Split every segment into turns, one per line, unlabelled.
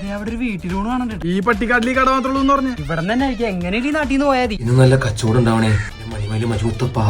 അവിടെ ഒരു വീട്ടിലൂടെ കാണണ്ട.
ഈ പട്ടിക്കാട്ടിൽ കട മാത്രമേ ഉള്ളൂ പറഞ്ഞു.
ഇവിടെ തന്നെ ആയിരിക്കും. എങ്ങനെ ഈ നാട്ടിൽ നിന്ന് പോയാൽ
ഇന്ന് നല്ല കച്ചവടം ഉണ്ടാവണേ. മണിമേല് മജുമുത്തപ്പാ.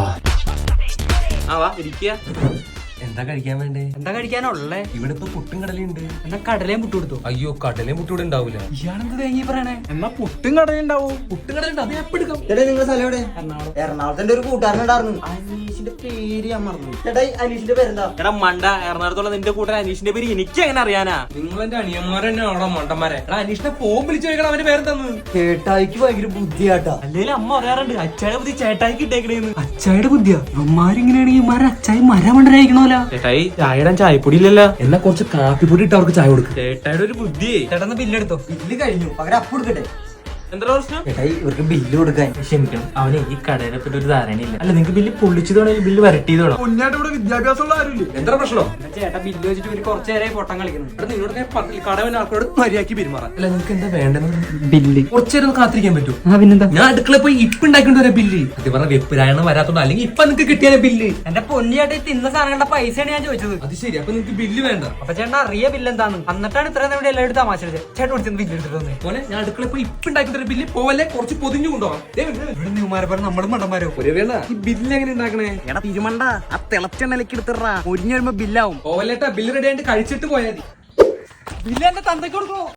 എന്താ കഴിക്കാൻ വേണ്ടേ?
എന്താ കഴിക്കാനുള്ളേ?
ഇവിടെ ഇപ്പൊ പുട്ടും കടലുണ്ട്.
എന്നാ കടലയും പുട്ട് കൊടുത്തു.
അയ്യോ കടലയും പുട്ടും ഇവിടെ ഉണ്ടാവൂല.
ഇയാളെന്ത് തേങ്ങി പറയണേ?
എന്നാ പുട്ടും കടലുണ്ടാവും.
പുട്ടും കടലുണ്ട്, അത് എപ്പോ എടുക്കാം?
ചേട്ടാ നിങ്ങളുടെ സ്ഥലം എവിടെ?
എറണാകുളം.
എറണാകുളത്തെ ഒരു കൂട്ടുകാരനുണ്ടായിരുന്നു, അനീഷിന്റെ പേര് ഞാൻ മറന്നു. ചേട്ടാ അനീഷിന്റെ പേരെന്താ?
എടാ മണ്ട, എറണാകുളത്തുള്ള നിന്റെ കൂട്ടൻ അനീഷിന്റെ പേര് എനിക്ക് എങ്ങനെ അറിയാനാ?
നിങ്ങൾ എന്റെ അനിയന്മാരെന്നെ ആണോ മണ്ടന്മാരെ? എടാ അനീഷിനെ ഫോൺ വിളിച്ചു ചോദിക്കണം അവന്റെ പേരെന്താന്ന്.
ചേട്ടായിക്ക് ഭയങ്കര ബുദ്ധിയാട്ടാ.
അല്ലെങ്കിൽ അമ്മ പറയാറുണ്ട് അച്ചായുടെ ബുദ്ധി ചേട്ടായിക്ക് ഇട്ടേക്കണേന്ന്.
അച്ചായുടെ ബുദ്ധിയാ? ഇവന്മാരിങ്ങനെയാണെങ്കിൽ ഇമാരെ അച്ചായി മരമണ്ടരായിരിക്കണോല.
ചേട്ടായി ചായയുടെ ചായപ്പൊടി ഇല്ലല്ലോ.
എന്നാ കുറച്ച് കാപ്പിപ്പൊടി ഇട്ട് അവർക്ക് ചായ കൊടുക്കും.
ചേട്ടായുടെ ഒരു ബുദ്ധി.
ചേട്ടന്ന് ബില്ലെടുത്തോ?
ബില്ല് കഴിഞ്ഞു, പകരം അപ്പ് കൊടുക്കട്ടെ.
എന്താ പ്രശ്നം?
ചേട്ടായി ഇവർക്ക് ബില്ല് കൊടുക്കാൻ.
ക്ഷമിക്കണം, അവന് ഈ കടയെ പറ്റി ഒരു ധാരണയില്ല. അല്ല നിങ്ങൾക്ക് ബില്ല് പൊള്ളിച്ചതോണോ ബില്ല് വരട്ടിയതോണോ?
പൊന്നായിട്ട് ഇവിടെ വിദ്യാഭ്യാസമുള്ള ആരുമില്ല.
എന്താ പ്രശ്നം?
ചേട്ടാ ബില്ല് വെച്ചിട്ട് ഒരു കുറച്ചു നേരമായി പൊട്ടം കളിക്കുന്നു.
എടാ നിന്നോട് കടവൻ ആൾക്കാരോട് മര്യാദക്ക് പെരുമാറാം. അല്ല നിങ്ങൾക്ക് എന്താ വേണ്ടെന്ന്?
ബില്ല്
കുറച്ചേരം കാത്തിരിക്കാൻ പറ്റൂ?
പിന്നെന്താ?
ഞാൻ അടുക്കള പോയി ഇപ്പൊ ഉണ്ടാക്കിണ്ട് വരാം ബില്ല്. അത് പറഞ്ഞ വെപ്പിരായണം വരാത്തോണ്ട്, അല്ലെങ്കിൽ ഇപ്പൊ നിങ്ങക്ക് കിട്ടിയാലേ ബില്ല്.
എന്റെ പൊന്നിയായിട്ട് തിന്ന സാധനങ്ങളുടെ പൈസയാണ് ഞാൻ ചോദിച്ചത്.
അത് ശരി, അപ്പൊ നിങ്ങക്ക് ബില്ല് വേണ്ട.
അപ്പൊ ചേട്ടൻ അറിയ ബില്ല് എന്താന്ന്? എന്നിട്ടാണ് ഇത്രയും നമ്മുടെ എല്ലാവരും തമാശ ചേട്ടൻ വിളിച്ചത് ബില്ല് എടുത്തിട്ട് വന്നേ.
പോലെ ഞാൻ അടുക്കള പോയി ഇപ്പൊ ഉണ്ടാക്കി ബില്ല് പോവല്ലേ, കുറച്ച് പൊതിഞ്ഞു കൊണ്ടുപോകാം.
ഇവിടെ ന്യൂമാരെ പറഞ്ഞ നമ്മളും മണ്ടന്മാരോ?
ഒരു വേള ഈ ബില്ല് എങ്ങനെ ഉണ്ടാക്കണേ?
എടാ തിരുമണ്ട, ആ തിളച്ചെണ്ണയിലേക്ക് എടുത്തിടാ, ഒരിഞ്ഞു വരുമ്പോ ബില്ലാവും.
പോവല്ലേട്ടാ, ബില്ല് റെഡി ആയിട്ട് കഴിച്ചിട്ട് പോയാൽ മതി.
ബില്ല് എന്റെ തന്തയ്ക്ക് കൊടുക്കണോ?